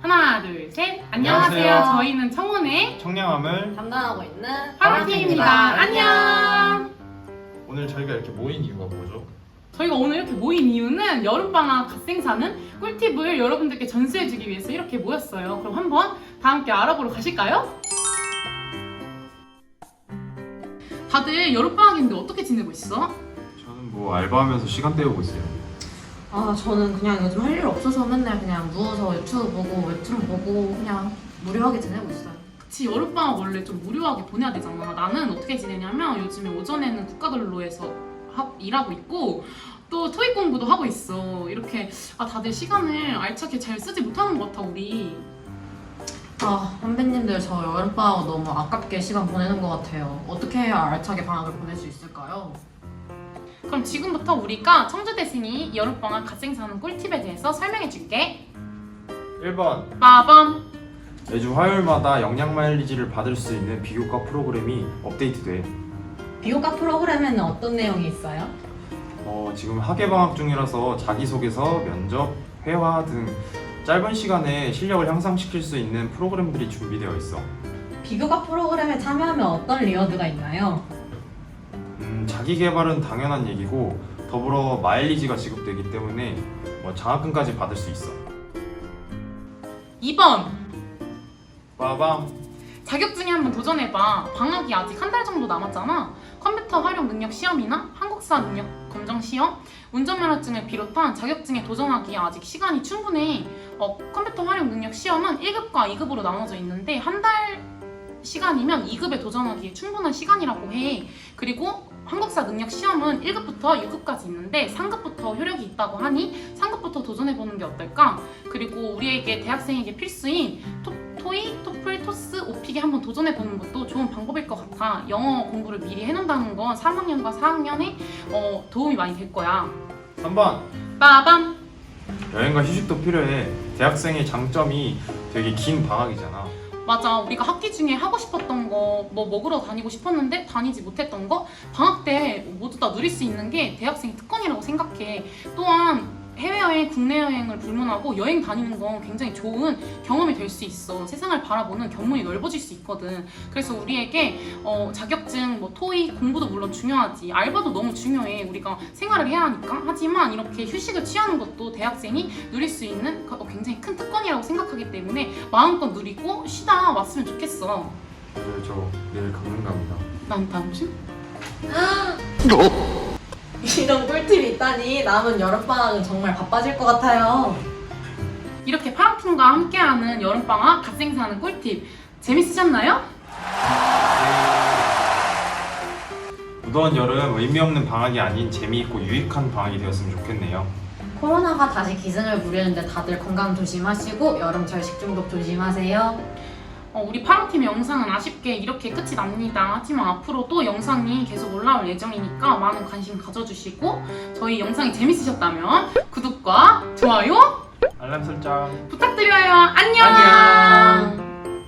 하나, 둘, 셋. 안녕하세요. 안녕하세요. 저희는 청혼의 청량함을 담당하고 있는 파랑팀입니다. 안녕. 오늘 저희가 이렇게 모인 이유가 뭐죠? 저희가 오늘 이렇게 모인 이유는 여름방학 갓생사는 꿀팁을 여러분들께 전수해주기 위해서 이렇게 모였어요. 그럼 한번 다 함께 알아보러 가실까요? 다들 여름방학인데 어떻게 지내고 있어? 저는 뭐 알바하면서 시간 때우고 있어요. 저는 그냥 요즘 할 일 없어서 맨날 그냥 누워서 유튜브 보고 웹툰 보고 그냥 무료하게 지내고 있어요. 그치, 여름방학 원래 좀 무료하게 보내야 되잖아. 나는 어떻게 지내냐면 요즘에 오전에는 국가근로에서 일하고 있고 또 토익 공부도 하고 있어. 이렇게 다들 시간을 알차게 잘 쓰지 못하는 것 같아 우리. 선배님들 저 여름방학 너무 아깝게 시간 보내는 것 같아요. 어떻게 해야 알차게 방학을 보낼 수 있을까요? 그럼 지금부터 우리가 청주대생이 여름방학 갓생사하는 꿀팁에 대해서 설명해줄게. 1번, 빠밤. 매주 화요일마다 영양 마일리지를 받을 수 있는 비교과 프로그램이 업데이트돼. 비교과 프로그램에는 어떤 내용이 있어요? 지금 학예방학 중이라서 자기소개서, 면접, 회화 등 짧은 시간에 실력을 향상시킬 수 있는 프로그램들이 준비되어 있어. 비교과 프로그램에 참여하면 어떤 리워드가 있나요? 자기 개발은 당연한 얘기고 더불어 마일리지가 지급되기 때문에 장학금까지 받을 수 있어. 2번. 빠밤. 자격증에 한번 도전해봐. 방학이 아직 한 달 정도 남았잖아. 컴퓨터 활용 능력 시험이나 한국사 능력 검정 시험, 운전면허증을 비롯한 자격증에 도전하기에 아직 시간이 충분해. 컴퓨터 활용 능력 시험은 1급과 2급으로 나눠져 있는데 한 달 시간이면 2급에 도전하기에 충분한 시간이라고 해. 그리고 한국사 능력 시험은 1급부터 6급까지 있는데 3급부터 효력이 있다고 하니 3급부터 도전해보는 게 어떨까? 그리고 우리에게 대학생에게 필수인 토익, 토플, 토스, 오픽에 한번 도전해보는 것도 좋은 방법일 것 같아. 영어 공부를 미리 해놓는다는 건 3학년과 4학년에 도움이 많이 될 거야. 3번. 빠밤. 여행과 휴식도 필요해. 대학생의 장점이 되게 긴 방학이잖아. 맞아. 우리가 학기 중에 하고 싶었던 거 뭐 먹으러 다니고 싶었는데 다니지 못했던 거 방학 때 모두 다 누릴 수 있는 게 대학생의 특권이라고 생각해. 또한 해외여행, 국내 여행을 불문하고 여행 다니는 건 굉장히 좋은 경험이 될 수 있어. 세상을 바라보는 견문이 넓어질 수 있거든. 그래서 우리에게 자격증, 토익, 공부도 물론 중요하지. 알바도 너무 중요해. 우리가 생활을 해야 하니까. 하지만 이렇게 휴식을 취하는 것도 대학생이 누릴 수 있는 굉장히 큰 특권이라고 생각하기 때문에 마음껏 누리고 쉬다 왔으면 좋겠어. 그래서 저 내일 강릉 갑니다. 난 다음 주? 이런 꿀팁이 있다니 남은 여름방학은 정말 바빠질 것 같아요. 이렇게 파랑팀과 함께하는 여름방학 갓생사하는 꿀팁 재밌으셨나요? 무더운 여름 의미 없는 방학이 아닌 재미있고 유익한 방학이 되었으면 좋겠네요. 코로나가 다시 기승을 부리는데 다들 건강 조심하시고 여름철 식중독 조심하세요. 우리 파랑팀의 영상은 아쉽게 이렇게 끝이 납니다. 하지만 앞으로 또 영상이 계속 올라올 예정이니까 많은 관심 가져주시고 저희 영상이 재밌으셨다면 구독과 좋아요 알람 설정. 부탁드려요. 안녕. 안녕.